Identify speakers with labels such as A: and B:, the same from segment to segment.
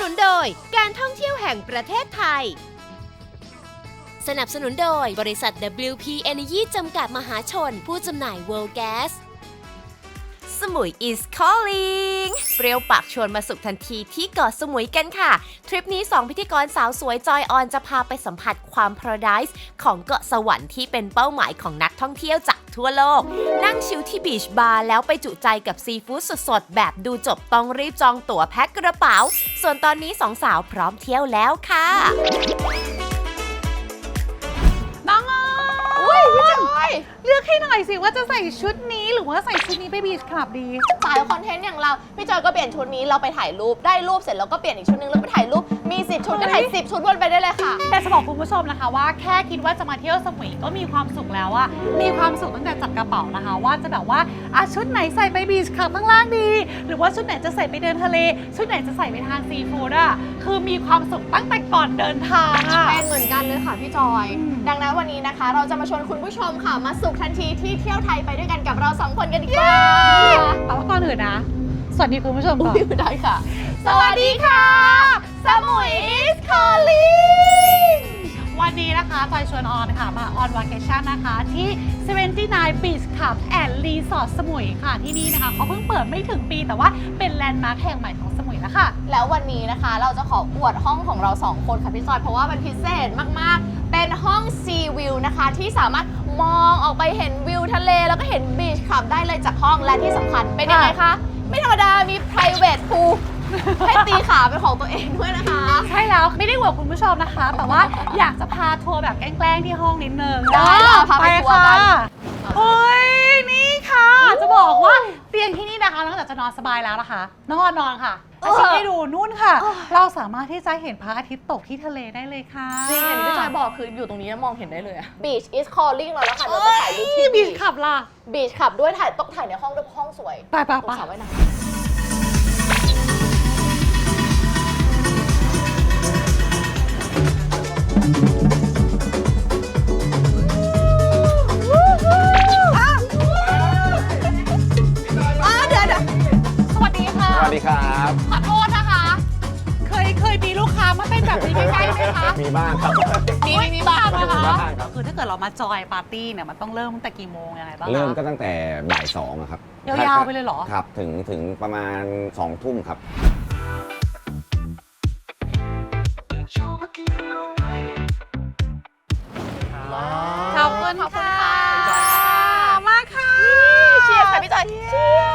A: นโดยการท่องเที่ยวแห่งประเทศไทยสนับสนุนโดยบริษัท WP Energy จำกัดมหาชนผู้จำหน่าย World Gas สมุย is calling เปรี้ยวปากชวนมาสุขทันทีที่เกาะสมุยกันค่ะทริปนี้2พิธีกรสาวสวยจอยออนจะพาไปสัมผัสความพาราไดซ์ของเกาะสวรรค์ที่เป็นเป้าหมายของนักท่องเที่ยวจากทั่วโลกนั่งชิลที่บีชบาร์แล้วไปจุใจกับซีฟู้ดสดๆแบบดูจบต้องรีบจองตั๋วแพ็คกระเป๋าส่วนตอนนี้สองสาวพร้อมเที่ยวแล้วค่ะ
B: น้องอุ้ยพี่จอยเลือกให้หน่อยสิว่าจะใส่ชุดนี้หรือว่าใส่ชุดนี้ไปบีชคลับดี
C: สายคอนเทนต์อย่างเราพี่จอยก็เปลี่ยนชุดนี้เราไปถ่ายรูปได้รูปเสร็จแล้วก็เปลี่ยนอีกชุดนึงแล้วไปถ่ายรูปมี10ชุดก็ถ่าย10ชุดวนไปได้เลยค่ะ
B: แต่จะบอกคุณผู้ชมนะคะว่าแค่คิดว่าจะมาเที่ยวสมุยก็มีความสุขแล้วอะมีความสุขตั้งแต่จัดกระเป๋านะคะว่าจะแบบว่าชุดไหนใส่ไปบีชคลับข้างล่างดีหรือว่าชุดไหนจะใส่ไปเดินทะเลชุดไหนจะใส่ไปทานซีฟู้ดอะคือมีความสุขตั้งแต่ก่อนเดินทางอะ
C: เป็นเหมือนกันเลยค่ะพี่จอยดังนั้นวันนี้นะคะเราจะมาชวนคุณผู้ชมค่ะมาสุขทันทีที่เที่ยวไทยไปด้วยกันกับเรา2คนกันดีกว่า
B: แต่ว่าก่อนอื่นนะสวัสดีคุณผู้ชมก่อน
C: ได้ค่ะสวัสดีค่ะสมุย is calling
B: วันนี้นะคะจอยชวนออนค่ะมาออนวาเคชั่นนะคะที่79 Beach Club and Resort สมุยค่ะที่นี่นะคะเขาเพิ่งเปิดไม่ถึงปีแต่ว่าเป็นแลนด์มาร์คแห่งใหม่ของสมุยแล้วค่ะ
C: แล้ววันนี้นะคะเราจะขออวดห้องของเรา2คนค่ะพี่จอยเพราะว่ามันพิเศษมากๆเป็นห้อง Sea View นะคะที่สามารถมองออกไปเห็นวิวทะเลแล้วก็เห็นบีชคลับได้เลยจากห้องและที่สำคัญเป็นยังไงคะไม่ธรรมดามี private pool ให้ตีขาเป็นของตัวเองด้วยนะคะ
B: ใช่แล้วไม่ได้อวดคุณผู้ชมนะคะแต่ว่าอยากจะพาทัวร์แบบแกล้งๆที่ห้องนิดนึง
C: ได้พาไปทัวร์กัน
B: เฮ้ยนี่ค่ะจะบอกว่าเตียงที่นี่นะคะนอกจากจะนอนสบายแล้วนะคะนอนค่ะชี้ให้ดูนู่นค่ะเราสามารถที่จะเห็นพระอาทิตย์ตกที่ทะเลได้เลยค่ะ
C: จริงอย่างที่พี่จอยบอกคืออยู่ตรงนี้มองเห็นได้เลย Beach is calling เราแล้วค่ะเราจะถ่ายรูปที่
B: Beach Club ล่ะ
C: Beach Club ด้วยต้องถ่ายในห้องด้วยห้องสวย
B: ไป
C: สาวไว้นะ
B: สวัสดี
D: ครับ
B: ขอโทษนะคะเคยมีลูกค้ามาเป็นแบบนี้ใกล้ๆไหมคะ
D: มีบ้างครับ
B: มีบ้างนะคะคือถ้าเกิดเรามาจอยปาร์ตี้เนี่ยมันต้องเริ่มตั้งแต่กี่โมงยังไงบ้าง
D: เริ่มก็ตั้งแต่บ่าย2ครับ
B: ยาวๆไปเลยเหรอ
D: ครับถึงประมาณ2 ทุ่มครับ
B: ขอบคุณค่ะมาค่ะ
C: เชียร์ค่ะพี่จอยเชียร์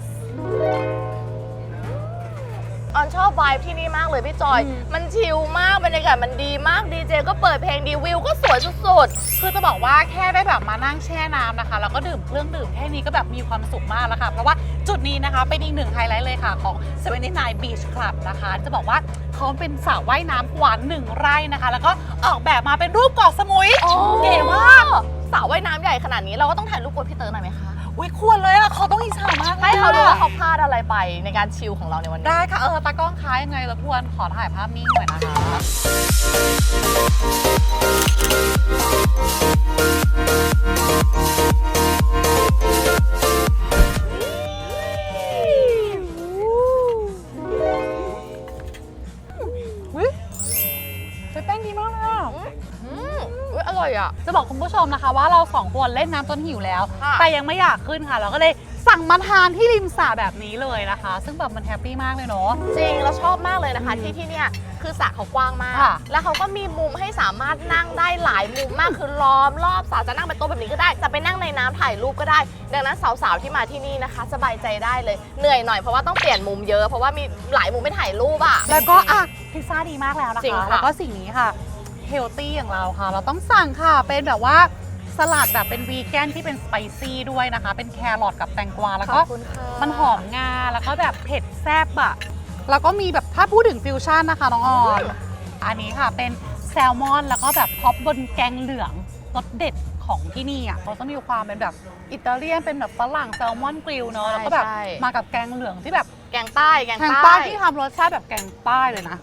C: ออนชอบไวบ์ที่นี่มากเลยพี่จอยมันชิลมากบรรยากาศมันดีมากดีเจก็เปิดเพลงดีวิวก็สวยสุด
B: ๆคือจะบอกว่าแค่ได้แบบมานั่งแช่น้ำนะคะแล้วก็ดื่มเครื่องดื่มแค่นี้ก็แบบมีความสุขมากแล้วค่ะเพราะว่าจุดนี้นะคะเป็นอีกหนึ่งไฮไลท์เลยค่ะของ79 Beach Club นะคะจะบอกว่าเขาเป็นสระว่ายน้ำกว่า1 ไร่นะคะแล้วก็ออกแบบมาเป็นรูปเกาะสมุยเก๋มาก
C: สระว่ายน้ำใหญ่ขนาดนี้เราก็ต้องถ่ายรูปกับพี่เต๋อหน่อยไหมคะ
B: อุ้ยควรเลยอะเขาต้องอิจฉามาก
C: ให้เขาดูว่าเขาพลาดอะไรไปในการชิลของเราในวันนี้
B: ได้ค่ะตากล้องค้ายังไงรบกวนขอถ่ายภาพนิ่งหน่อยนะคะแป้งดีมากเลยอ่ะ
C: อร่อยอ่ะ
B: จะบอกคุณผู้ชมนะคะว่าเรา2 คนเล่นน้ำจนหิวแล้วแต่ยังไม่อยากขึ้นค่ะเราก็เลยสั่งมาทานที่ริมสระแบบนี้เลยนะคะซึ่งแบบมันแฮปปี้มากเลยเนาะ
C: จริงเราชอบมากเลยนะคะที่เนี่ยคือสระเขากว้างมากแล้วเขาก็มีมุมให้สามารถนั่งได้หลายมุมมากคือล้อมรอบสระจะนั่งเป็นโต๊ะแบบนี้ก็ได้จะไปนั่งในน้ำถ่ายรูปก็ได้ดังนั้นสาวๆที่มาที่นี่นะคะสบายใจได้เลยเหนื่อยหน่อยเพราะว่าต้องเปลี่ยนมุมเยอะเพราะว่ามีหลายมุมให้ถ่ายรูปอ่ะ
B: แล้วก็พิซซ่าดีมากแล้วนะคะแล้วก็สิ่งนี้ค่ะเฮลตี้อย่างเราค่ะเราต้องสั่งค่ะเป็นแบบว่าสลัดแบบเป็นวีแกนที่เป็นสไปซี่ด้วยนะคะเป็นแครอทกับแตงกวาแล้วก็มันหอมงาแล้วก็แบบเผ็ดแซ่บอะแล้วก็มีแบบถ้าพูดถึงฟิวชั่นนะคะน้องออนอันนี้ค่ะเป็นแซลมอนแล้วก็แบบท็อปบนแกงเหลืองรสเด็ดของที่นี่อ่ะเขาจะมีความเป็นแบบอิตาเลียนเป็นแบบฝรั่งแซลมอนกริลเนาะแล้วก็แบบมากับแกงเหลืองที่แบบ
C: แกงใต้
B: ที่ทำรสชาติแบบแกงใต้เลยนะ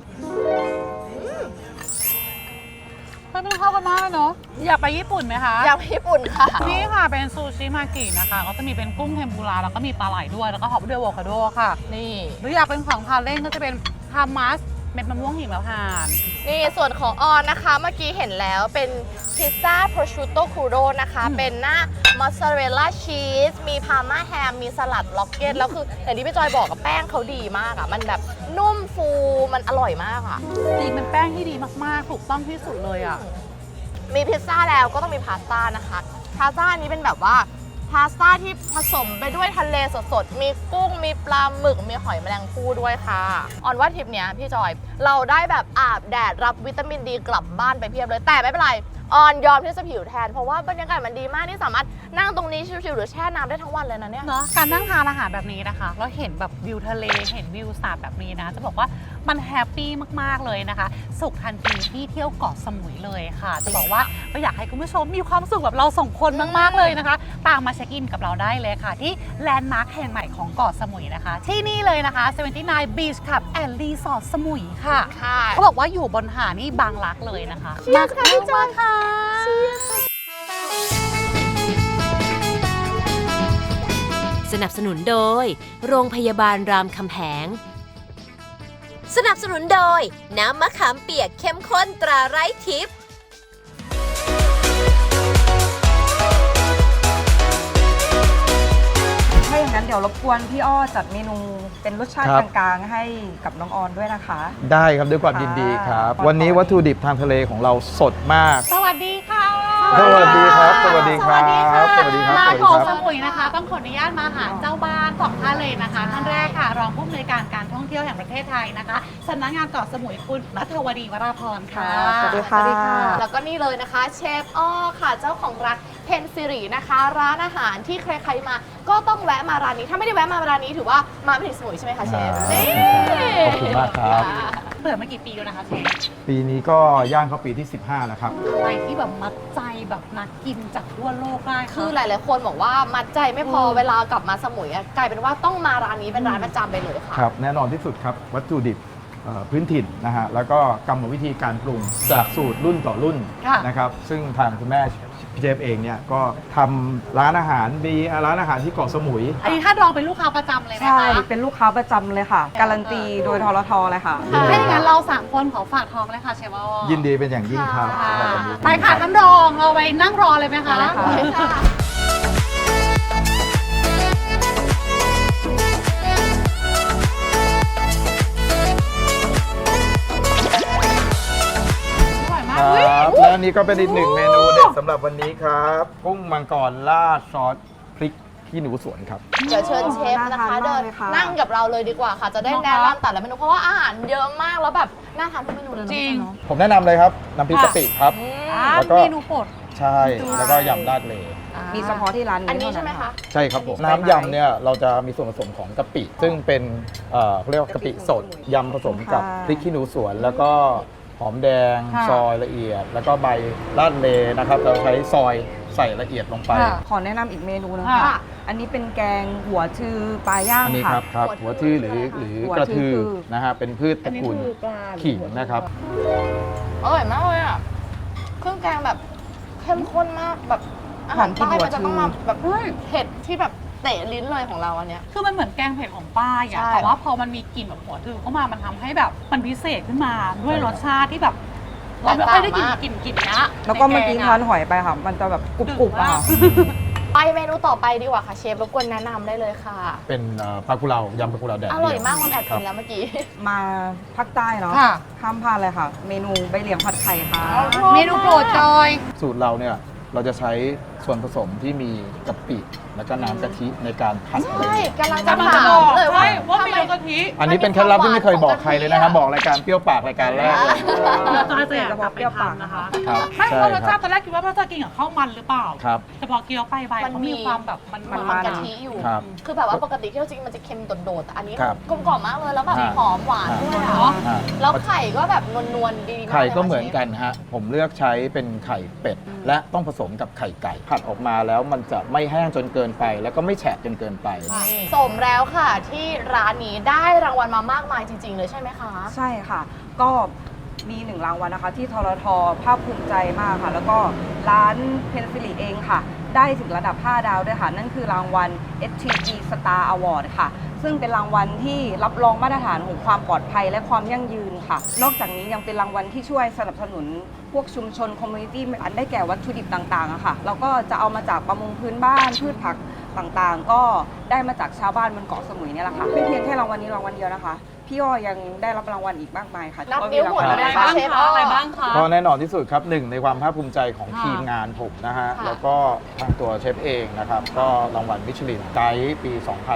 B: มันเข้ากันมากเนาะอยากไปญี่ปุ่นไหมคะ
C: อยากไปญี่ปุ่นค่ะ
B: นี่ค่ะเป็นซูชิมากินะคะก็จะมีเป็นกุ้งเทมปุระแล้วก็มีปลาไหลด้วยแล้วก็ฮอปด้วยอะโวคาโดค่ะ
C: นี่
B: หรืออยากเป็นของทานเล่นก็จะเป็นฮามัสเม็ดมะม่วงหิมพานต์
C: นี่ส่วนของออนนะคะเมื่อกี้เห็นแล้วเป็นพิซซ่าโปรชูโตคูโรนะคะเป็นหน้ามอสซาเรลล่าชีสมีพาร์มาแฮมมีสลัดล็อกเก็ตแล้วคืออย่างที่พี่จอยบอกกับแป้งเขาดีมากอ่ะมันแบบนุ่มฟูมันอร่อยมากอ่ะ
B: จริงเป็นแป้งที่ดีมากๆถูกต้องที่สุดเลยอ่ะ
C: มีพิซซ่าแล้วก็ต้องมีพาสต้านะคะพาสต้าอันนี้เป็นแบบว่าพาสต้าที่ผสมไปด้วยทะเลสดๆมีกุ้งมีปลาหมึกมีหอยแมลงภู่ด้วยค่ะออนว่าทริปเนี้ยพี่จอยเราได้แบบอาบแดดรับวิตามินดีกลับบ้านไปเพียบเลยแต่ไม่เป็นไรออนยอมที่จะผิวแทนเพราะว่าบรรยากาศมันดีมากที่สามารถนั่งตรงนี้ชิวๆหรือแช่น้ำได้ทั้งวันเลยนะเนี่ย
B: เนาะการนั่งทานอาหารแบบนี้นะคะแล้วเห็นแบบวิวทะเลเห็นวิวสาบแบบนี้นะจะบอกว่ามันแฮปปี้มากๆเลยนะคะสุขทันทีที่เที่ยวเกาะสมุยเลยค่ะ จะบอกว่าก็อยากให้คุณผู้ชมมีความสุขแบบเราสองคนมากๆเลยนะคะตามมาเช็คอินกับเราได้เลยค่ะ ที่แลนด์มาร์คแห่งใหม่ของเกาะสมุยนะคะ ที่นี่เลยนะคะ 79 Beach Club and Resort สมุยค่ะ
C: ค่ะ
B: เขาบอกว่าอยู่บนหาดนี่บางรักเลยนะคะมาค่ะพี่จอยค่ะ
A: สนับสนุนโดย โรงพยาบาลรามคำแหง สนับสนุนโดย น้ำมะขามเปียกเข้มข้นตราไร้ทิพย์
E: ถ้าอย่างนั้นเดี๋ยวรบกวนพี่อ้อจัดเมนูเป็นรสชาติ
F: ครับ
E: กลางๆ ให้กับน้องออนด้วยนะคะ
F: ได้ครับด้วยความยินดีครับ
E: ค่ะ
F: วันนี้วัตถุดิบทางทะเลของเราสดมาก
B: สวัสดีค่ะ
F: สวัสดีครับสวัสดีครับ
B: สวัสดีค่ะ
F: สวัสดีครับ
B: มา
F: สวัสดี
B: เกาะ
F: ครับ
B: สมุยนะคะ ต้องขออนุญาตมาหาเจ้าบ้านของท่านเลยนะคะท่านแรกค่ะ รองผู้อำนวยการการท่องเที่ยวแห่งประเทศไทยนะคะสำนักงานเกาะสมุยคุณณัฐวดีวราพรค่ะ
E: สวัสดีค่ะ
C: แล้วก็นี่เลยนะคะเชฟอ้อค่ะเจ้าของร้านเพนซิรินะคะ ร้านอาหารที่ใครๆมาก็ต้องแวะมาร้านนี้ถ้าไม่ได้แวะมาร้านนี้ถือว่ามาไม่ถึงสมุยใช่ไหมคะเชฟนี่
F: ขอบคุณมากครับ
B: เปิดมากี่ปีแล้วนะคะเชฟ
F: ปีนี้ก็ย่างเข้าปีที่ 15 แล้วครับ
B: อะไรที่แบบมัดใจแบบนักกินจากทั่วโลกได้ะ
C: คือหลายๆคนบอกว่ามัดใจไม่พอเวลากลับมาสมุยอะกลายเป็นว่าต้องมาร้านนี้เป็นร้านประจำไปเลยค่ะ
F: ครับ แน่นอนที่สุดครับ วัตถุดิบพื้นถิ่นนะฮะ แล้วก็กรรมวิธีการปรุงจากสูตรรุ่นต่อรุ่น
B: ค่ะ
F: นะครับ ซึ่งทางคุณแม่พี่เจฟเองเนี่ยก็ทำร้านอาหารมีร้านอาหารที่เกาะสมุย
B: อันนี้ถ้าลองเป็นลูกค้าประจำเลยไหม
E: ใช่
B: คะ
E: เป็นลูกค้าประจำเลยค่ะ การันตีโดยทรทเลยค่ะ
B: ถ้าอย่างนั้นเราสามคนขอฝากท้องเลยค่ะเชฟอ้อ
F: ยินดีเป็นอย่างยิ่งครับ
B: ค่ะ
F: สำหรับวันนี้
B: ไปค่ะท่านรองเราไปนั่งรอเลยไหมคะ
E: ได้ค่ะ
C: โอเคค่ะ
B: อร่อยมา
F: ค
B: ก
F: รับและอันนี้ก็เป็นอีกหนึ่งเมนูเด็ดสำหรับวันนี้ครับ กุ้งมังกรราดซอสพริกขี้หนูสวนครับ
C: เดี๋ยวเชิญเชฟนะคะ
E: น่าทาน
C: เดิ
E: มาก
C: น
E: เลยค่ะ
C: นั่งกับเราเลยดีกว่าค่ะ จะได้แนะนำแต่ละเมนูเพราะว่าอาหารเยอะมากแล้วแบบน่าทานทุกเมนูเลยนะ
B: จริง
C: เนาะ
F: ผมแนะนำเลยครับ น้ำพริกกะปิครับ
C: อืม
B: อ่า
F: แล้วก็
B: เมนูโปรด
F: ใช่ แล้วก็ยำราดเล
E: มีเฉพาะที่ร้านนี้
C: อันนี้
E: เท่า
C: ใช่ไหมคะ
F: ใช่ครับผม น้ำยำเนี่ยเราจะมีส่วนผสมของกะปิ ซึ่งเป็นเขาเรียกว่ากะปิสดยำผสมกับพริกขี้หนูสวน แล้วก็หอมแดง
B: ค่ะ
F: ซอยละเอียด แล้วก็ใบราดเลนะครับเราใช้ซอยใส่ละเอียดลงไป
B: ค่ะ
E: ขอแนะนำอีกเมนูนึง
B: ค่ะ
E: ค่ะ อันนี้เป็นแกงหัวชือปลาย่าง
F: อันนี้
E: ค่ะ
F: ครับหัวทื่อหรือ
E: หัว
F: กระทือ
E: ทื่อ
F: นะฮะเป็นพืชตระกูลขิงนะครับ
C: อร่อยมากเลยอ่ะเครื่องแกงแบบเข้มข้นมากแบบอาหารใต้มันจะต้องมาแบบเผ็ดที่แบบเตะลิ้นเลยของเราอันเนี้ย
B: คือมันเหมือนแกงเผ็ดของป้าอ่ะ
C: ใช่
B: แต่ว่าพอมันมีกลิ่นแบบหัวทือเข้ามามันทำให้แบบมันพิเศษขึ้นมาด้วยรสชาติที่แบบเราไม่ค่อยได้กินกลิ่นเนี้ย
E: แล้วก็เมื่อกี้
B: ในแง
E: ทาน
B: อะ
E: หอยไปค่ะ มันจะแบบกรุบๆอะค่ะ
C: ไปเมนูต่อไปดีกว่าค่ะเชฟรบกวนแนะนำได้เลยค่ะ
F: เป็นปลากุเลายำปลากุเลาแดด
C: อ
F: เดีว
C: ร่อยมากมันแอบกินแล้วเมื่อกี้
E: มาภาคใต้เนาะ
B: ค่ะ
E: ข้ามพลาดเลยค่ะ เมนูใบเหลียงผัดไข่ค่ะ
B: เมนูโปรดจอย
F: สูตรเราเนี่ยเราจะใช้ส่วนผสมที่มีกะปิแล้วก็น้ำกะทิในการผัด
C: ใช่
F: เลย
C: กำลังจะ
B: กำลัง
C: ถา
B: จะ
C: ม
B: บอก
C: เลยว่า
B: ว่า
C: ทำ
B: เม
C: ไม
B: นูกะทิ
F: อันนี้เป็นเคล็ดลับที่ไม่เคยบอกใครเลยนะครับ บอกรายการเปรี้ยวปากรายการแรกเลย
B: เดี๋ยวจอยจะอยากกลับไปทำนะคะ
F: ครับ
B: ไม่
F: ใช่
B: เพราะรส
F: ค
B: ชา
F: รั
B: ติ
F: บ
B: ตอนแรกคิดว่าพ่อจะกินกับข้าวมันหรือเปล่า
F: ครับ
B: แต่พอเคี้ยวไปใบ
C: มัน
B: เขา
C: มี
B: มีความแบบมัน
C: มันกะทิอยู่
F: ครับ
C: คือแบบว่าปกติที่เราจริงมันจะเค็มโดดๆแต่อันนี้
F: ครับ
C: กลมกล่อมมากเลยแล้วแบบ
F: ฮะ
C: หอมหวานด้วย
F: ฮะ
C: เนาะ
F: อ่า
C: แล้วไข่ก็แบบนวลๆดีมาก
F: ไข่ก็
C: ลยะ
F: เหมือนกันฮะ ผมเลือกใช้เป็นไข่เป็ด และต้องผสมกับไข่ไก่ ผัดออกมาแล้วมันจะไม่แห้งจนเกินไป แล้วก็ไม่แฉะจนเกินไป
C: สมแล้วค่ะที่ร้านนี้ได้รางวัลมามากมายจริง ๆ เลยใช่ไหมคะ
E: ใช่ค่ะ ก็มี1 รางวัลนะคะ ที่ทรทภาคภูมิใจมากค่ะ แล้วก็ร้านเพนซิลิเองค่ะได้ถึงระดับ 5 ดาวด้วยค่ะ นั่นคือรางวัล STG Star Award ค่ะ ซึ่งเป็นรางวัลที่รับรองมาตรฐานของความปลอดภัยและความยั่งยืนค่ะ นอกจากนี้ยังเป็นรางวัลที่ช่วยสนับสนุนพวกชุมชนคอมมูนิตี้อันได้แก่วัตถุดิบต่างๆอะค่ะแล้วก็จะเอามาจากประมงพื้นบ้านพืชผักต่างๆ ก็ได้มาจากชาวบ้านบนเกาะสมุยเนี่ยแหละค่ะไม่เพียงแค่รางวัลนี้รางวัลเดียวนะคะพี่อ้อยังได้รับรางวัลอีกมากมายค่ะ
C: นับนิ้วหมดเลย
B: อะไร
C: นะคะ
B: บ้าง
C: เชฟ
B: คะอะไรบ้างคะ
F: ก็แน่นอนที่สุดครับหนึ่งในความภาคภูมิใจของ
B: ค่ะ
F: ทีมงานผมนะฮะ
C: ค่ะ
F: แล้วก็ทางตัวเชฟเองนะครับ ก็รางวัลมิชลินไกด์ปี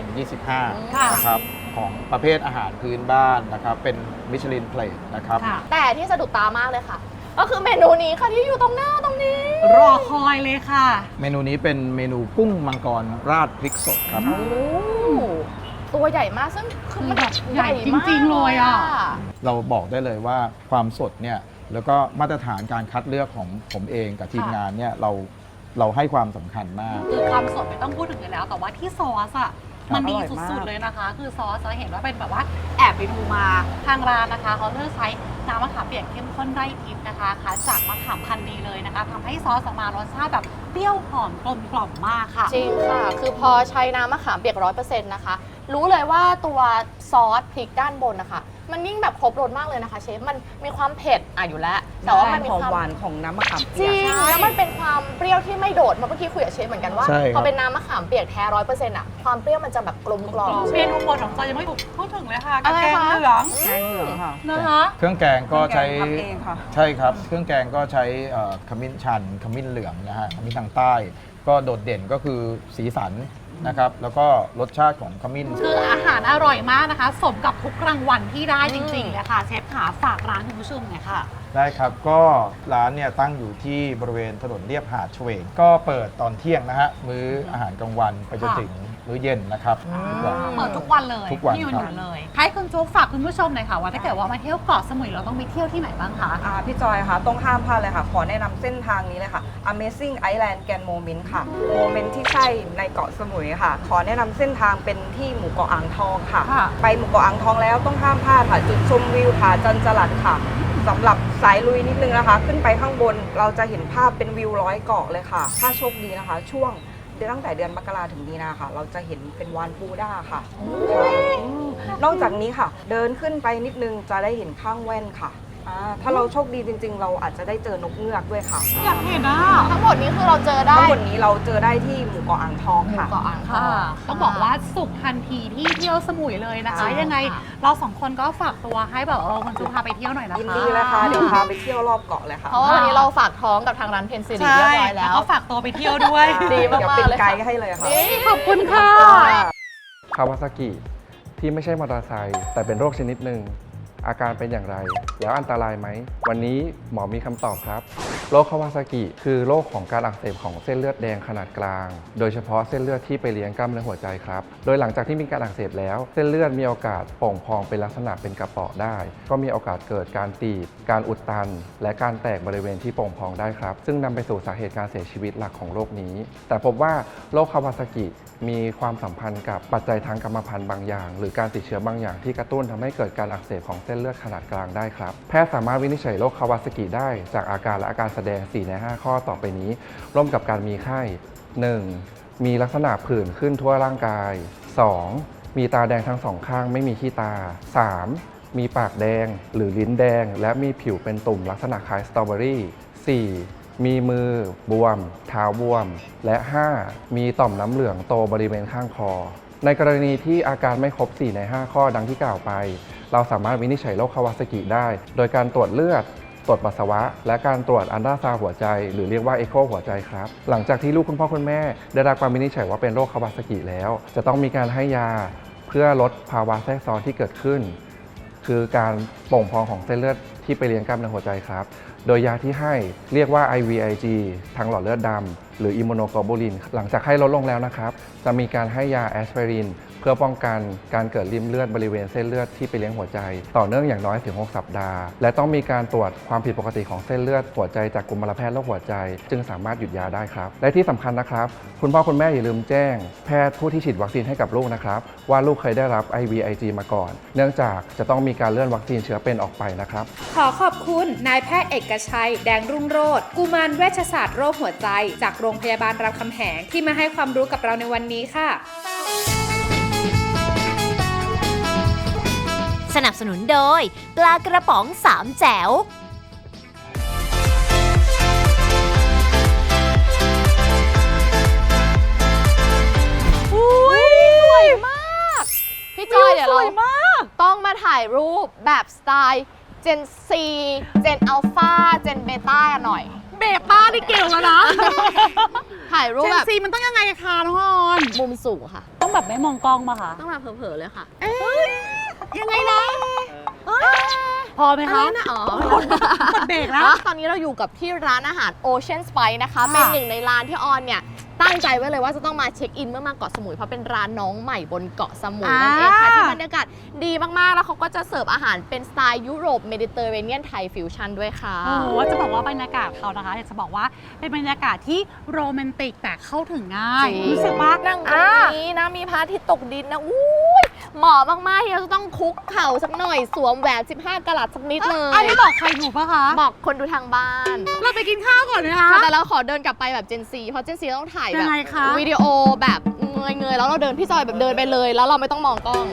F: 2025 นะครับ ของประเภทอาหารพื้นบ้านนะครับ เป็นมิชลินเพลทนะครับ
B: ค่ะ
C: แต่ที่สะดุดตามากเลยค่ะ ก็คือเมนูนี้ค่ะที่อยู่ตรงหน้าตรงนี้
B: รอคอยเลยค่ะ
F: เมนูนี้เป็นเมนูกุ้งมังกรราดพริกสดครับ
C: โอ้ตัวใหญ่มากซึ่งคือมัน
B: แบบใหญ่จริงๆเลยอะ
F: เราบอกได้เลยว่าความสดเนี่ย แล้วก็มาตรฐานการคัดเลือกของผมเองกับทีมงานเนี่ยเราให้ความสำคัญมาก
B: คือความสดไม่ต้องพูดถึงเลยแล้ว แต่ว่าที่ซอสอ่ะมันดี
E: อร่อยมาก
B: สุดๆเลยนะคะ คือซอสจะเห็นว่าเป็นแบบว่าแอบไปดูมาทางร้านนะคะเขาเลือกใช้น้ำมะขามเปียกเข้มข้นไร่ทิพย์นะคะคัดจากมะขามพันธุ์ดีเลยนะคะทำให้ซอสออกมารสชาติแบบเปรี้ยวหอมกลมกล่อมมากค่ะ
C: จริงค่ะ คือพอใช้น้ำมะขามเปียก 100% นะคะ รู้เลยว่าตัวซอสพริกด้านบนนะคะ มันยิ่งแบบครบรสมากเลยนะคะเชฟ มันมีความเผ็ดอยู่แล้ว แต่ว่ามันมี
E: หอม
C: ความ
E: หวานของน้ำมะขาม
C: จ
E: เปีย
C: ริ
E: ก
C: ง แล้วมันเป็นความเปรี้ยวที่ไม่โดดเมื่อกี้คุยกับเชฟเหมือนกันว่า
F: ใช่ครับ
C: พอเป็นน้ำมะขามเปียกแท้ 100%อ่ะ ความเปรี้ยวมันจะแบบกลมกล่อม
B: เมนูโปรดของจอยยังไม่ถูกพูดถึงเลยค่ะ
C: อะไร
B: แกง
C: คะ
B: เหลือง
E: แกงเหลืองค่ะ
B: นะคะ
F: เครื่องแกงก็ใช้
E: เครื่องแกงทำเองค่ะ
F: ใช่ครับ เครื่องแกงก็ใช้ขมิ้นชันขมิ้นเหลืองนะฮะขมิ้นทางใต้ ก็โดดเด่นก็คือสีสันนะครับ แล้วก็รสชาติของขมิ้น
B: คืออาหารอร่อยมากนะคะ สมกับทุกรางวัลที่ได้จริงๆเลยค่ะ เชฟขาฝากร้านคุณผู้ชมหน่อยค่ะ
F: ได้ครับ ก็ร้านเนี่ยตั้งอยู่ที่บริเวณถนนเลียบหาดเฉวง ก็เปิดตอนเที่ยงนะฮะ มื้ออาหารกลางวันไปจนถึงมื้อเย็นนะครับทุกวัน
B: เปิดทุกวันเลย
F: ทุกวัน
B: ที่อยู่
F: ครับ
B: เลย ให้คุณจุ๊กฝากคุณผู้ชมหน่อยค่ะว่าถ้าเกิดว่ามาเที่ยวเกาะสมุยเราต้องไปเที่ยวที่ไหนบ้างคะ
E: พี่จอยค่ะต้องห้ามพลาดเลยค่ะ ขอแนะนำเส้นทางนี้เลยค่ะ Amazing Island Grand Moment ค่ะ โมเมนต์ที่ใช่ในเกาะสมุยค่ะ ขอแนะนำเส้นทางเป็นที่หมู่เกาะอ่างทองค่ะ
B: ค่ะ
E: ไปหมู่เกาะอ่างทองแล้วต้องห้ามพลาดค่ะ จุดชมวิวผาจันจรัสค่ะสำหรับสายลุยนิดนึงนะคะ ขึ้นไปข้างบนเราจะเห็นภาพเป็นวิว100 เกาะเลยค่ะ ถ้าโชคดีนะคะ ช่วงตั้งแต่เดือนมกราถึงมีนาค่ะ เราจะเห็นเป็นวานปูด้าค่ะนอกจากนี้ค่ะ เดินขึ้นไปนิดนึงจะได้เห็นข้างแว่นค่ะถ้าเราโชคดีจริง ๆ เราอาจจะได้เจอนกเงือกด้วยค่ะ
B: อยากเห็นอ่ะ
C: ทั้งหมดนี้คือเราเจอได้
E: ทั้งหมดนี้เราเจอได้ที่หมู่เกาะอ่างทองค่ะ
C: เกาะอ่างทอ
B: ค่ะ
C: ง
B: ต้องบอกว่าสุขทันทีที่เที่ยวสมุยเลยนะคะ
C: ใช่
B: ยังไง
C: ค่ะ
B: เราสองคนก็ฝากตัวให้แบบคุณจุ๊กพาไปเที่ยวหน่อยนะคะ
E: ยินดีเลยค่ะ เดี๋ยวพาไปเที่ยวรอบเกาะเลยค่ะ
C: เพราะว่าวันนี้เราฝากท้องกับทางร้านเพนซิลี
B: ใช่
C: เรียบร้อยแล้ว
B: ก็ฝากตัวไปเที่ยวด้วย
C: ดีมาก
E: เดี๋ยว
C: ๆ
E: เป็น
C: เลย
E: ไก
C: ค่ะ
E: ด์ให้เลยค่ะ
B: ขอบคุณค่ะ
G: คาวาซากิที่ไม่ใช่มอเตอร์ไซค์แต่เป็นโรคชนิดหนึ่งอาการเป็นอย่างไร แล้วอันตรายไหม วันนี้หมอมีคำตอบครับ โรคคาวาซากิคือโรคของการอักเสบของเส้นเลือดแดงขนาดกลาง โดยเฉพาะเส้นเลือดที่ไปเลี้ยงกล้ามเนื้อหัวใจครับ โดยหลังจากที่มีการอักเสบแล้ว เส้นเลือดมีโอกาสโป่งพองเป็นลักษณะเป็นกระเปาะได้ ก็มีโอกาสเกิดการตีบ การอุดตัน และการแตกบริเวณที่โป่งพองได้ครับ ซึ่งนำไปสู่สาเหตุการเสียชีวิตหลักของโรคนี้ แต่พบว่าโรคคาวาซากิมีความสัมพันธ์กับปัจจัยทางกรรมพันธุ์บางอย่าง หรือการติดเชื้อบางอย่างที่กระตุ้นทำให้เกิดการอักเสบของเส้นเลือดขนาดกลางได้ครับ แพทย์สามารถวินิจฉัยโรคคาวาซากิได้จากอาการและอาการแสดง 4 ใน 5 ข้อต่อไปนี้ ร่วมกับการมีไข้ 1. มีลักษณะผื่นขึ้นทั่วร่างกาย 2. มีตาแดงทั้งสองข้างไม่มีขี้ตา 3. มีปากแดงหรือลิ้นแดง และมีผิวเป็นตุ่มลักษณะคล้ายสตรอเบอรี่ 4. มีมือบวม เท้าบวม และ 5. มีต่อมน้ำเหลืองโตบริเวณข้างคอ ในกรณีที่อาการไม่ครบ 4 ใน 5 ข้อดังที่กล่าวไป เราสามารถวินิจฉัยโรคคาวาซากิได้ โดยการตรวจเลือด ตรวจปัสสาวะ และการตรวจอัลตราซาวด์หัวใจ หรือเรียกว่าเอ็กโคหัวใจครับ หลังจากที่ลูกคุณพ่อคุณแม่ได้รับการวินิจฉัยว่าเป็นโรคคาวาซากิแล้ว จะต้องมีการให้ยาเพื่อลดภาวะแทรกซ้อนที่เกิดขึ้น คือการโป่งพองของเส้นเลือดที่ไปเลี้ยงกล้ามเนื้อหัวใจครับ โดยยาที่ให้เรียกว่า IVIG ทางหลอดเลือดดำหรืออิมมูโนโกลบูลิน หลังจากให้ลดลงแล้วนะครับ จะมีการให้ยาแอสไพรินเพื่อป้องกันการเกิดริ่มเลือดบริเวณเส้นเลือดที่ไปเลี้ยงหัวใจ ต่อเนื่องอย่างน้อยถึง 6 สัปดาห์ และต้องมีการตรวจความผิดปกติของเส้นเลือดหัวใจจากกุมารแพทย์โรคหัวใจ จึงสามารถหยุดยาได้ครับและที่สำคัญนะครับคุณพ่อคุณแม่อย่าลืมแจ้งแพทย์ผู้ที่ฉีดวัคซีนให้กับลูกนะครับว่าลูกเคยได้รับ IVIG มาก่อน เนื่องจากจะต้องมีการเลื่อนวัคซีนเชื้อเป็นออกไปนะครับ
H: ขอขอบคุณนายแพทย์เอกชัย แดงรุ่งโรจน์กุมารเวชศาสตร์โรคหัวใจ จากโรงพยาบาลรามคำแหงที่มาให้ความรู้กับเราในวันนี้ค่ะ
A: สนับสนุนโดยปลากระป๋อง3แจ๋ว
C: พี่จอยเดี๋ยวเราต้องมาถ่ายรูปแบบสไตล์ Gen C Gen Alpha Gen Beta กันหน่อย
B: เบต้านี่เก่งแล้วนะ
C: ถ่ายรูป
B: เจน
C: แบบ
B: ซีมันต้องยังไงคะน้องออน
C: มุมสูงค่ะ
B: ต้องแบบไม่มองกล้องมาค่ะ
C: ต้องแบบเผลอๆเลยค่ะ
B: ยังไงนะพอไหมคะ
C: อะไรนะอ๋อ
B: กดเบรกแล้ว
C: ตอนนี้เราอยู่กับที่ร้านอาหาร Ocean Spice นะคะ เป็นหนึ่งในร้านที่ออนเนี่ยตั้งใจไว้เลยว่าจะต้องมาเช็คอินเมื่อมาเกาะสมุยเพราะเป็นร้านน้องใหม่บนเกาะสมุยนั่นเองค่ะที่บรรยากาศดีมากๆแล้วเขาก็จะเสิร์ฟอาหารเป็นสไตล์ยุโรปเมดิเตอร์เรเนียนไทยฟิวชั่นด้วยค่ะ
B: ว่าจะบอกว่าบรรยากาศเขานะคะอยากจะบอกว่าเป็นบรรยากาศที่โรแมนติกแต่เข้าถึงง่าย
C: จริง
B: รู้สึกว่า
C: นั่งตรงนี้นะมีพระอาทิตย์ตกดินนะอุ้ยเหมาะมากๆที่เราจะต้องคุกเข่าสักหน่อยสวมแหวน15 กะรัตสักนิดเลย
B: อันนี้บอกใครถูกปะคะ
C: บอกคนดูทางบ้าน
B: เราไปกินข้าวก่อนไหมคะ
C: แต่เราขอเดินกลับไปแบบ Gen C เพราะ Gen C ต้องถ่ายแบ
B: ยั
C: บ
B: งไงคะ
C: วิดีโอแบบเงยๆแล้วเราเดินพี่จอยแบบเดินไปเลย แล้วเราไม่ต้องมองกล้อง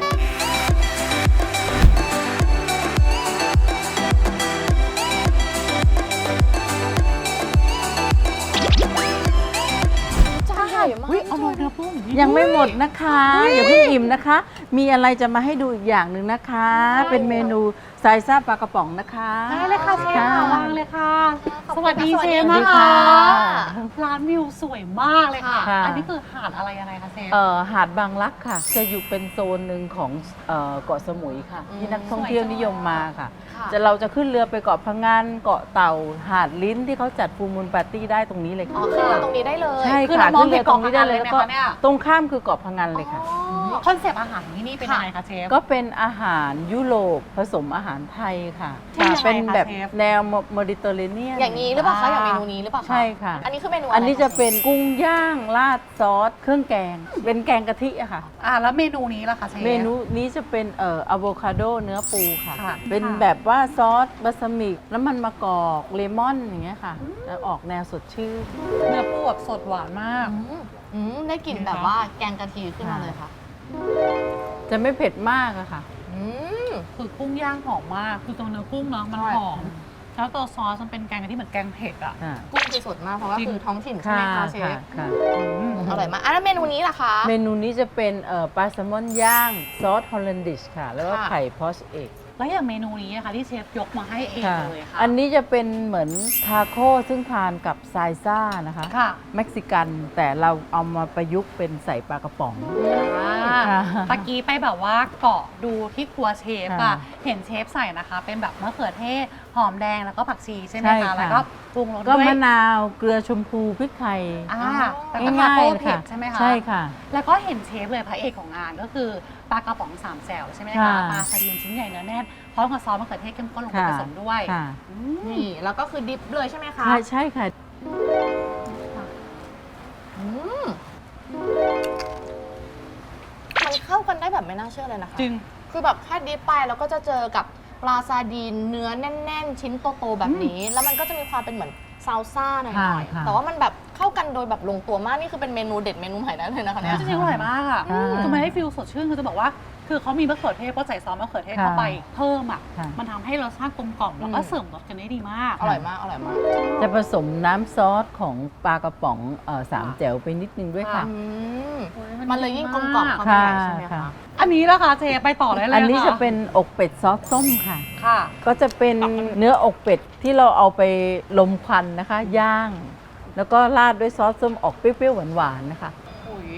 C: จานใหญ่มาก
B: อุ๊ยเอาลงเนื้อปุ้ง
I: ยังไม่หมดนะคะอย่าเพิ่งอิ่มนะคะ มีอะไรจะมาให้ดูอีกอย่างหนึ่งนะคะ เป็นเมนูไซซ่าปลากระป๋องนะคะ
B: ได้เลยค่ะเชฟค่ะวางเลยค่ะ สวัสดีเชฟ
I: สวัสดี
B: นะคะ
I: ค่ะ
B: ร้านวิวสวยมากเลยค่ะ
I: ค่ะ
B: อันนี้คือหาดอะไรยังไงคะเชฟ
I: หาดบางรักค่ะ จะอยู่เป็นโซนหนึ่งของเกาะสมุยค่ะ ที่นักท่องเที่ยวนิยมมาค่ะ เราจะขึ้นเรือไปเกาะพะงันเกาะเต่าหาดลิ้นที่เขาจัดฟูลมูลปาร์ตี้ได้ตรงนี้เลย
C: อ๋อ
I: ค่ะ
C: ขึ้นมาตรงนี้ได้เลย
I: ใช่
B: คือ
I: ค่ะ
B: เรามอง
I: ขึ้นเรือตรงนี้ได้เลย
B: เห็น
I: แล้วก็
B: เกาะพะงันเลยไหมคะเนี่ย
I: ตรงข้ามคือเกาะพะงันเลยค่ะ
B: คอนเซปต์อาหารของที่นี่เป็นยังไงคะเชฟ
I: ก็เป็นอาหารยุโรปผสมอาหารไทยค่ะ
B: ที่ยังไงคะ
I: เป็นแบบ
B: เชฟ
I: แนวเมดิเตอร์เรเนียน
C: อย่างนี้หรือเปล่าคะอย่างเมนูนี้หรือเปล่าคะ
I: ใช่ค่ะ
C: อันนี้คือเมนูอะไร
I: อันนี้จะ
C: ค
I: เป็นกุ้งย่างราดซอสเครื่องแกง เป็นแกงกะทิอะค่ะ
B: แล้วเมนูนี้ล่ะคะเชฟ
I: เมนูนี้จะเป็นอะโวคาโดเนื้อปูค่ะ
B: ค่ะ
I: เป็น
B: ค่ะ
I: แบบว่าซอสบาสมิกน้ำมันมะกอกเลมอนอย่างเงี้ยค่ะจะออกแนวสดชื่น
B: เนื้อปูแบบสดหวานมาก
C: ได้กลิ่นแบบว่าแกงกะทิขึ้นมาเลยค่ะ
I: จะไม่เผ็ดมากอะค่ะ
C: อืม
B: คือกุ้งย่างหอมมาก คือตัวเนื้อกุ้งเนาะมัน
C: ใช่
B: หอม แล้วตัวซอสมันเป็นแกงกะทิเหมือนแกงเผ็ดอ่ะ
C: กุ้งคือสดมากเพราะว่า
B: จริง
C: คือท้องถิ่นใช่ไหมคะเชฟ
I: ค่ะ
C: อร่อยมากแล้วเมนูนี้ล่ะคะ
I: เมนูนี้จะเป็นปลาแซลมอนย่างซอสฮอลแลนดิชค่ะ แล้วก็
C: ค่ะ
I: ไข่พอชเอก
B: แล้วอย่างเมนูนี้นะคะที่เชฟยกมาให้เอง
I: ค่ะ
B: เลยค่ะ
I: อันนี้จะเป็นเหมือนทาโก้ซึ่งทานกับไซซ่านะคะ
B: ค่ะ
I: เม็กซิกันแต่เราเอามาประยุกต์เป็นใส่ปลากระป๋อง
B: ตะกี้ไปแบบว่าเกาะดูที่ครัวเชฟ
I: ค่ะ
B: อะเห็นเชฟใส่นะคะ เป็นแบบมะเขือเทศ หอมแดงแล้วก็ผักชีใช่ไหม
I: ใช่
B: คะ
I: ค่ะ
B: แล้วก็ปรุงรส
I: ก็
B: ด้วย
I: มะนาวเกลือชมพูพริกไทย
B: แล้วก็ทา
I: ง่าย
B: โก้
I: ๆเลย
B: เผ็
I: ค่ะ
B: ดใช่ไหมคะ
I: ใช่ค่ะ
B: แล้วก็เห็นเชฟเลยพระเอกของงานก็คือปลากระป๋องสามแจ่วใช่ไหมคะ
I: ค่ะ
B: ปลาสลิดชิ้นใหญ่เนื้อแน่นพร้อมกับซอสมะเขือเทศเข้มข้นลงไป
I: ค่ะ
B: ผสมด้วย
I: ค่ะ
C: นี่แล้วก็คือดิฟเลยใช่ไหมคะ
I: ใช่ใช่ค่ะ
C: อืมมันเข้ากันได้แบบไม่น่าเชื่อเลยนะคะ
B: จริง
C: คือแบบแค่ดิฟไปแล้วก็จะเจอกับปลาซาดีนเนื้อแน่น ๆ ชิ้นโตๆแบบนี้ แล้วมันก็จะมีความเป็นเหมือนซาลซ่าหน่อย
I: ค่ะ
C: ๆแต่ว่ามันแบบเข้ากันโดยแบบลงตัวมากนี่คือเป็นเมนูเด็ดเมนูใหม่ได้เลยนะคะเนี่ย
B: จริงๆอร่อยมากอ่ะ
I: อืม
B: คือมันให้ฟิลสดชื่นคือจะบอกว่า คือเขามีมะเขือเทศก็ใส่ซอสมะเขือเทศเข้าไปเพิ่มอ่ะ
I: ค่ะ
B: มันทำให้รสชาติกลมกล่อมแล้วก็เสริมรสกันได้ดีมาก
C: อร่อยมากอร่อยมาก
I: จะผสมน้ำซอสของปลากระป๋องสามแจ๋วไปนิดนึงด้วยค่ะ
C: อืม
B: โอ้
C: มันเลยยิ่งกลมกล่อมเข้าไป
I: ค่ะ
C: ใหญ่ใช่ไหม
I: ค่ะ
C: คะ
B: อันนี้ละคะเจไปต่อได้เลย
I: อันนี้
B: ค่
I: จะเป็นอกเป็ดซอสส้มค่ะ
B: ค่ะ
I: ก็จะเป็นเนื้ออกเป็ดที่เราเอาไปลมควันนะคะ ย่าง แล้วก็ราดด้วยซอสส้มออกเปรี้ยวๆหวานๆนะคะ
B: อุ๋ย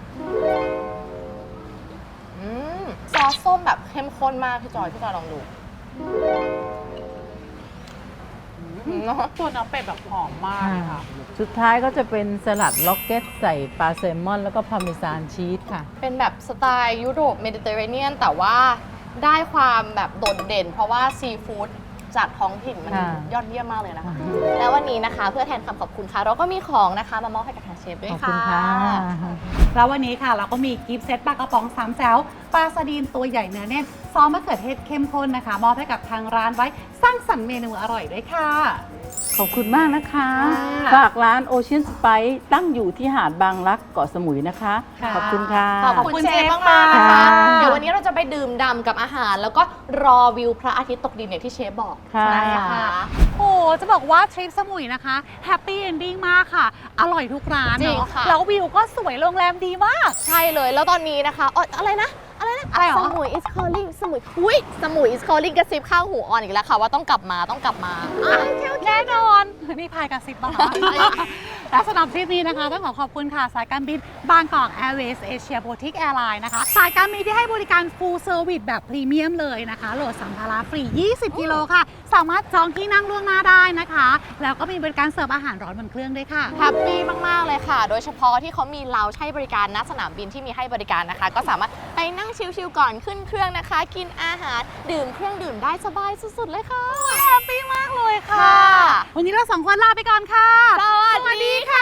C: ซอสส้มแบบเข้มข้นมากพี่จอยลองดูเนาะ
B: ตัวเนื้อเป็ดแบบหอมมากเลยค่ะ
I: สุดท้ายก็จะเป็นสลัดล็อกเก็ตใส่ปลาแซลมอนแล้วก็พาร์เมซานชีสค่ะ
C: เป็นแบบสไตล์ยุโรปเมดิเตอร์เรเนียนแต่ว่าได้ความแบบโดดเด่น เพราะว่าซีฟู้ดจากท้องถิ่นมัน
I: ค่ะ
C: ยอดเยี่ยมมากเลยนะคะ แล้ววันนี้นะคะเพื่อแทนคำขอบคุณค่ะ เราก็มีของนะคะมามอบให้กับทางเชฟด้วย
I: ขอบคุ
C: ค่ะ
I: ณค่ะ
B: แล้ววันนี้ค่ะเราก็มีกิฟต์เซตปลากระป๋อง3แจ๋วปลาสดีนตัวใหญ่เนื้อแน่นซอสมะเขือเทศเข้มข้นนะคะมอบให้กับทางร้านไว้สร้างสรรค์เมนูอร่อยด้วยค่ะ
I: ขอบคุณมากนะคะ
C: ค่ะ
I: ฝากร้าน Ocean Spice ตั้งอยู่ที่หาดบางรักเกาะสมุยนะคะ
B: ค่ะ
I: ขอบคุณค่ะ
C: ขอบคุณเชฟมากๆนะคะ
I: ค่ะ
C: เดี๋ยววันนี้เราจะไปดื่มด่ำกับอาหาร แล้วก็รอวิวพระอาทิตย์ตกดินอย่างที่เชฟบอก
I: ค่ะ
C: นะคะ
B: โอ้จะบอกว่าทริปสมุยนะคะแฮปปี้เอนดิ้งมากค่ะ อร่อยทุกร้าน
C: จริง
B: เนาะ
C: ค่ะ
B: แล้ววิวก็สวยโรงแรมดีมาก
C: ใช่เลยแล้วตอนนี้นะคะอะไรนะ
B: อะไรหรอ
C: สมุย is calling สมุยอุ้ยสมุย is calling กระซิบข้างหูออนอีกแล้วค่ะว่าต้องกลับมา
B: แน่นอนนี่พายกระซิบป่ะคะ และสำหรับทริปนี้นะคะต้องขอบคุณค่ะ สายการบินบางกอกแอร์เวย์เอเชียโบติกแอร์ไลน์นะคะ สายการบินที่ให้บริการ full service แบบพรีเมียมเลยนะคะโหลดสัมภาระฟรี 20 กิโลค่ะ สามารถจองที่นั่งล่วงหน้าได้นะคะ แล้วก็มีบริการเสิร์ฟอาหารร้อนบนเครื่องด้วยค่ะ
C: แฮปปี้มาก ๆ เลยค่ะ โดยเฉพาะที่เขามีเลาให้บริการณสนามบินที่มีให้บริการนะคะ ก็สามารถไปนั่งชิล ๆ ก่อนขึ้นเครื่องนะคะ กินอาหารดื่มเครื่องดื่มได้สบายสุด ๆ เลยค่ะ
B: แฮปปี้มากเลยค่ะ
C: ค่ะ
B: วันนี้เราสองคนลาไปก่อนค่ะ
C: สวัสดีค่ะ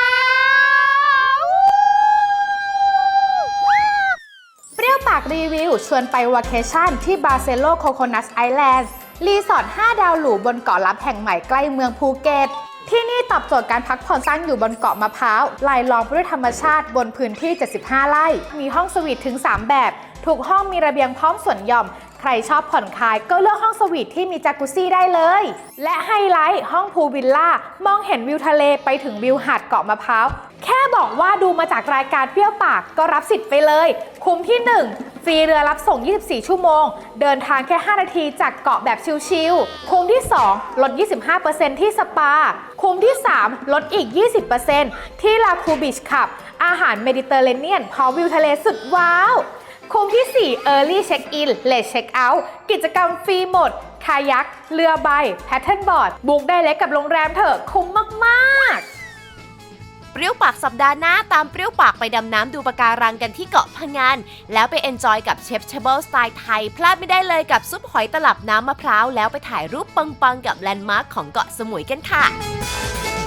H: เปรี้ยวปากรีวิวชวนไปวาเคชั่นที่บาเซโลโคโคนัสไอแลนด์รีสอร์ท 5 ดาวหรูบนเกาะลับแห่งใหม่ใกล้เมืองภูเก็ต ที่นี่ตอบโจทย์การพักผ่อนตั้งอยู่บนเกาะมะพร้าวรายล้อมไปด้วยธรรมชาติบนพื้นที่ 75 ไร่ มีห้องสวีทถึง 3 แบบ ทุกห้องมีระเบียงพร้อมสวนหย่อม ใครชอบผ่อนคลายก็เลือกห้องสวีทที่มีจากุซซี่ได้เลย และไฮไลท์ห้องพูลวิลล่ามองเห็นวิวทะเลไปถึงวิวหาดเกาะมะพร้าว แค่บอกว่าดูมาจากรายการเปรี้ยวปากก็รับสิทธิ์ไปเลย คุ้มที่ 1 ฟรีเรือรับส่ง 24 ชั่วโมง เดินทางแค่ 5 นาทีจากเกาะแบบชิลๆ คุ้มที่ 2 ลด 25% ที่สปา คุ้มที่ 3 ลดอีก 20% ที่ลาคูบีชคลับ อาหารเมดิเตอร์เรเนียนพร้อมวิวทะเลสุดว้าว คุ้มที่ 4 Early Check In Late Check Out กิจกรรมฟรีหมด คายัก เรือใบ แพทเทิร์นบอร์ด บุ๊กได้เล็กกับโรงแรมเถอะ คุ้มมากๆ
A: เปรี้ยวปากสัปดาห์หน้าตามเปรี้ยวปากไปดำน้ำดูปะการังกันที่เกาะพะงันแล้วไปเอนจอยกับเชฟเชเบิลสไตล์ไทย พลาดไม่ได้เลยกับซุปหอยตลับน้ำมะพร้าวแล้วไปถ่ายรูปปังๆกับแลนด์มาร์คของเกาะสมุยกันค่ะ